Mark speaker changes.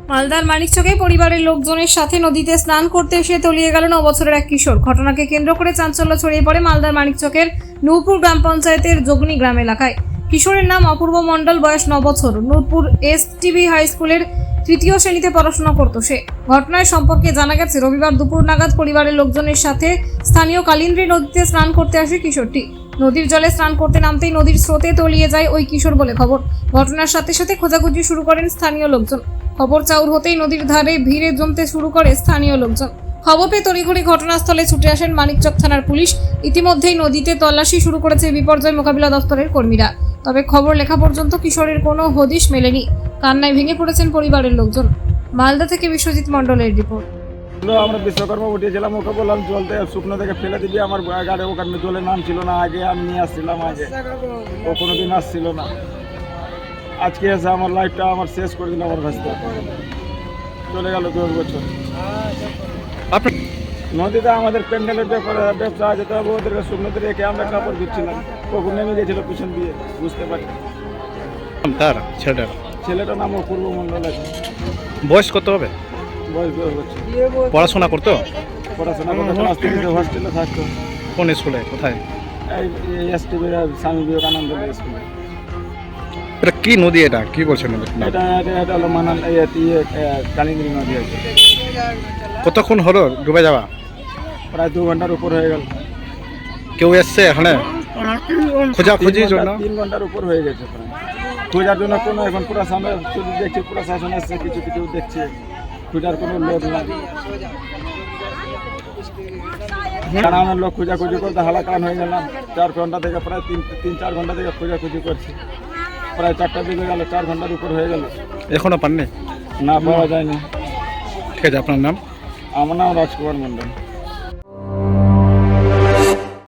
Speaker 1: মালদার মানিকচকে পরিবারের লোকজনের সাথে নদীতে স্নান করতে এসে তলিয়ে গেল 9 বছরের এক কিশোর। ঘটনাকে কেন্দ্র করে চাঞ্চল্য ছড়িয়ে পড়ে মালদার মানিকচকের নূরপুর গ্রাম পঞ্চায়েতের যোগনী গ্রাম এলাকায়। কিশোরের নাম অপূর্ব মণ্ডল, বয়স 9 বছর। নূরপুর এসটিবি হাই স্কুলের 3য় শ্রেণীতে পড়াশোনা করত সে। ঘটনার সম্পর্কে জানা গেছে, রবিবার দুপুর নাগাদ পরিবারের লোকজনের সাথে স্থানীয় কালিন্দ্রী নদীতে স্নান করতে আসে কিশোরটি। নদীর জলে স্নান করতে নামতেই নদীর স্রোতে তলিয়ে যায় ওই কিশোর বলে খবর। ঘটনার সাথে সাথে খোঁজাখুঁজি শুরু করেন স্থানীয় লোকজন। খবর চাউর হতেই নদীর ধারে ভিড়ে জমতে শুরু করে স্থানীয় লোকজন। খবর পেয়ে তড়িঘড়ি ঘটনাস্থলে ছুটে আসেন মানিকচক থানার পুলিশ। ইতিমধ্যেই নদীতে তল্লাশি শুরু করেছে বিপর্যয় মোকাবিলা দপ্তরের কর্মীরা। তবে খবর লেখা পর্যন্ত কিশোরের কোনো হদিশ মেলেনি। কান্নায় ভেঙে পড়েছেন পরিবারের লোকজন। মালদা থেকে বিশ্বজিৎ মণ্ডলের রিপোর্ট।
Speaker 2: আমরা বিশ্বকর্মা উঠিয়েছিলাম, ওকে বললাম জলতে শুকনো থেকে ফেলে দিবি। আমার গাড়ি ওখানে জলে নাম ছিল না, আগে আমি নিয়ে আসছিলাম, আগে ও কোনোদিন আসছিল না। আজকে এসে আমার লাইফটা আমার শেষ করে দিল। আমার ভাষা চলে গেল 10 বছর। নদীতে আমাদের প্যান্ডেলের ব্যবসা আছে, তবে ওদেরকে শুকনোতে রেখে আমরা কাপড় ধুচ্ছিলাম। কখন নেমে গেছিল পিছন দিয়ে, বুঝতে পারি।
Speaker 3: তার
Speaker 2: ছেলেটার নাম অপূর্ব মণ্ডল আছে।
Speaker 3: বয়স কত হবে?
Speaker 2: বয়স 10 বছর।
Speaker 3: পড়াশোনা করতো?
Speaker 2: পড়াশোনা করতে ক্লাস 3 হস্টেলে থাকতো।
Speaker 3: কোন স্কুলে? কোথায়?
Speaker 2: এই এসটিবি স্বামী বিবেকানন্দ স্কুলে।
Speaker 3: এটা কি নদী? এটা কি বলছেন?
Speaker 2: এটা হলো মানাল কালিন্দ্রী নদী আছে।
Speaker 3: কতক্ষণ হলো ডুবে যাওয়া?
Speaker 2: প্রায় 2 ঘন্টার উপর হয়ে গেল।
Speaker 3: কেউ এসছে এখানে খোঁজাখুঁজির জন্য?
Speaker 2: 3 ঘন্টার উপর হয়ে গেছে প্রায়। খোঁজার জন্য কোনো এখন পুরো সামনে শুধু দেখছি, প্রশাসন এসছে, কিছু কিছু দেখছে। খোঁজার কোনো লোক নাই। গ্রামের লোক খোঁজাখুঁজি করতে হালাকান হয়ে গেলাম। 4 ঘন্টা থেকে প্রায় 3-4 ঘন্টা থেকে খোঁজাখুঁজি করছি। প্রায় 4টার দিকে গেল, 4 ঘন্টার উপর হয়ে গেল।
Speaker 3: এখনো পাননি?
Speaker 2: না, পাওয়া যায়নি।
Speaker 3: ঠিক আছে, আপনার নাম?
Speaker 2: আমার নাম রাজকুমার মণ্ডল।